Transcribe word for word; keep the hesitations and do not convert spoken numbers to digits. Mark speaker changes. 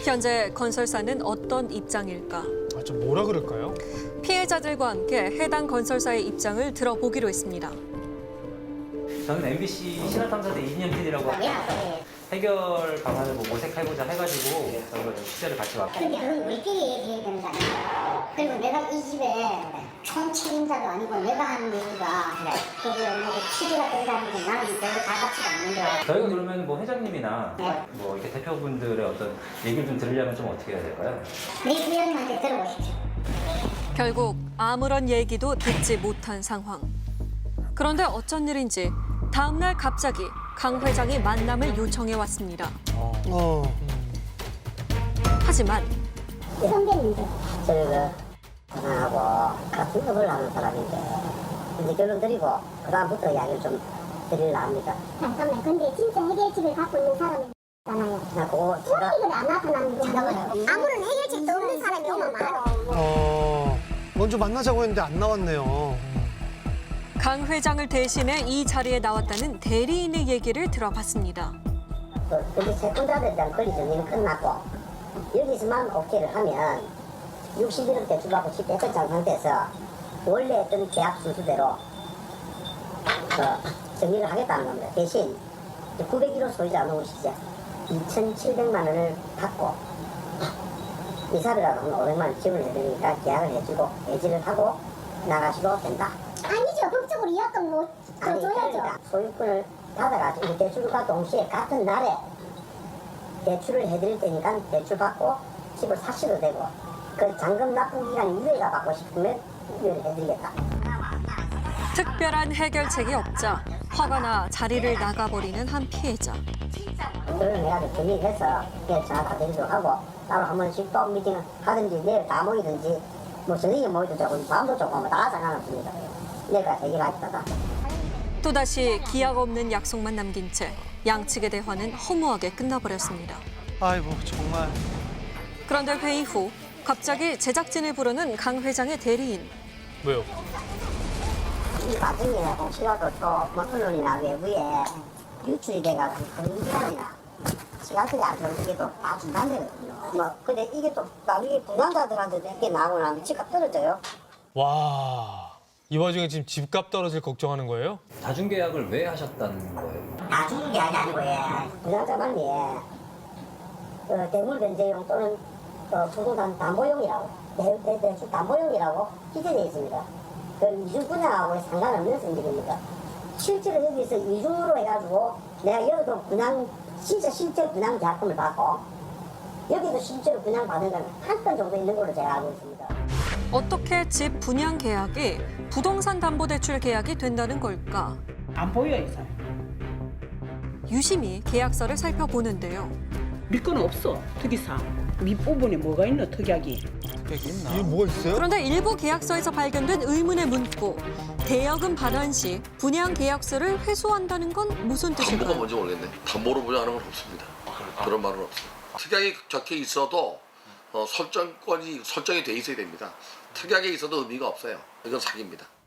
Speaker 1: 현재 건설사는 어떤 입장일까?
Speaker 2: 아, 좀 뭐라 그럴까요?
Speaker 1: 피해자들과 함께 해당 건설사의 입장을 들어보기로 했습니다.
Speaker 3: 저는 엠비씨 신화탐사대 이진영 피디라고 해결 방안을 뭐 모색해보자 해가지고 저희가 취재를 같이 왔고.
Speaker 4: 근데 그건 우리끼리 얘기해야 되는 거 아니야? 그리고 내가 이 집에 총 책임자도 아니고 내가 하는 얘기가 그게 뭐 취지가 된다는 게 나는 별로 다 같지가 않는데.
Speaker 3: 저희가 그러면 뭐 회장님이나
Speaker 4: 네.
Speaker 3: 뭐 이렇게 대표분들의 어떤 얘기를 좀 들으려면 좀 어떻게 해야 될까요?
Speaker 4: 내 부장님한테 들어보십시오.
Speaker 1: 결국 아무런 얘기도 듣지 못한 상황. 그런데 어쩐 일인지 다음 날 갑자기 강 회장이 만남을 요청해 왔습니다.
Speaker 2: 어.
Speaker 1: 하지만
Speaker 4: 선배님들.
Speaker 5: 저희가 전화하고 같은 업을 하는 사람인데 이제 결론 드리고 그 다음부터 이야기를 좀 드리려 합니다.
Speaker 4: 잠깐만, 근데 진짜 해결책을 갖고 있는 사람이 있잖아요.
Speaker 5: 그냥 그거 제가
Speaker 4: 소리를 안 나타나는 게 아무런 해결책도 없는 사람이 오면 말아.
Speaker 2: 어. 먼저 만나자고 했는데 안 나왔네요.
Speaker 1: 강 회장을 대신해 이 자리에 나왔다는 대리인의 얘기를 들어봤습니다.
Speaker 5: 그 근데 채권자들에 대한 권리 정리는 끝났고 여기서만 오케이를 하면 육십 일을 대출받고 십 대출장 상태에서 원래 했던 계약 순수대로 그 정리를 하겠다는 겁니다. 대신 구백 일 호 소유자 놓으시죠. 이천칠백만 원을 받고 이사비라도 한 오백만 원 지원을 해드리니까 계약을 해주고 해지를 하고 나가시도 된다.
Speaker 4: 아니죠. 법적으로 이약금 뭐
Speaker 5: 아니,
Speaker 4: 줘야죠.
Speaker 5: 그러니까 소유권을 받아가지고 대출과 동시에 같은 날에 대출을 해드릴 테니까 대출 받고 집을 사셔도 되고 그 잔금 납부 기간 이후에가 받고 싶으면 이후에 해드리겠다.
Speaker 1: 특별한 해결책이 없자 화가 나 자리를 나가버리는 한 피해자.
Speaker 5: 그걸 내가 정리해서 그냥 전화 다 드리도록 하고 따로 한 번씩 또 미팅을 하든지 내일 다 모이든지 뭐 저녁에 모이도 조금 밤도 조금 다 상관없습니다. 내가 해결하겠다.
Speaker 1: 또다시 기약 없는 약속만 남긴 채 양측의 대화는 허무하게 끝나버렸습니다.
Speaker 2: 아이고, 정말.
Speaker 1: 그런데 회의 후 갑자기 제작진을 부르는 강 회장의 대리인.
Speaker 2: 왜요?
Speaker 5: 이 과정에 혹시라도 또뭐 언론이나 외부에 유출이 돼가지고 그런 기간이나 시간들이 안 좋은 게 또 다 중단되거든요. 뭐 근데 이게 또 나중에 분양자들한테도 이렇게 나오고 나면 집값 떨어져요.
Speaker 2: 와. 이 와중에 지금 집값 떨어질 걱정하는 거예요?
Speaker 3: 다중계약을 왜 하셨다는 거예요?
Speaker 5: 다 주는 게 아니고 예. 분양자만 예. 어, 대물 변제용 또는 어, 부동산 담보용이라고 대, 대, 대출 담보용이라고 기재되어 있습니다. 그 이중 분양하고 상관없는 성질입니다. 실제로 여기서 이중으로 해가지고 내가 여기도 분양 진짜 실제 분양 계약금을 받고 여기도 실제로 분양 받은 건 한 건 정도 있는 걸로 제가 알고 있습니다.
Speaker 1: 어떻게 집 분양 계약이 부동산 담보대출 계약이 된다는 걸까?
Speaker 6: 안 보여 이 사람.
Speaker 1: 유심히 계약서를 살펴보는데요.
Speaker 6: 밀거는 없어 특이사항. 밑부분에 뭐가 있노 특약이.
Speaker 2: 이게 뭐가 있어요?
Speaker 1: 그런데 일부 계약서에서 발견된 의문의 문구. 대여금 반환 시 분양 계약서를 회수한다는 건 무슨
Speaker 7: 담보가
Speaker 1: 뜻일까요?
Speaker 7: 뭔지 모르겠네. 담보로 분양하는 건 없습니다. 그런 말은 없어요. 특약이 적혀 있어도 어, 설정권이 설정이 돼 있어야 됩니다. 특약에 있어도 의미가 없어요. 이건 사기입니다.